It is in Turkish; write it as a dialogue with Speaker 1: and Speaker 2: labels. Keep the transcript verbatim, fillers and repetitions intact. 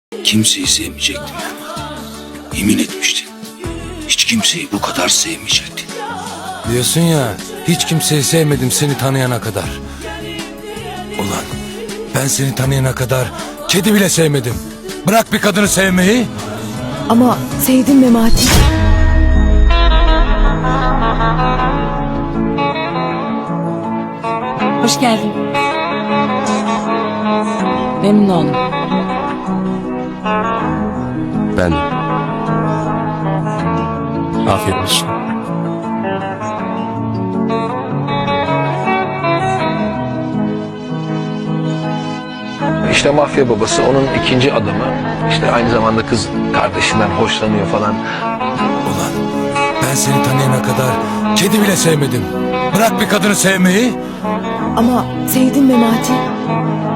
Speaker 1: Kimseyi sevmeyecektin Memati. Yemin etmiştin. Hiç kimseyi bu kadar sevmeyecektin.
Speaker 2: Diyorsun ya, hiç kimseyi sevmedim seni tanıyana kadar. Ulan ben seni tanıyana kadar kedi bile sevmedim. Bırak bir kadını sevmeyi.
Speaker 3: Ama sevdim Memati.
Speaker 4: Hoş geldin. Memnun oldum.
Speaker 5: Ben de. Afiyet olsun.
Speaker 6: İşte mafya babası onun ikinci adamı. İşte aynı zamanda kız kardeşinden hoşlanıyor falan.
Speaker 2: Ulan ben seni tanıyana kadar kedi bile sevmedim. Bırak bir kadını sevmeyi.
Speaker 3: Ama sevdim Memati.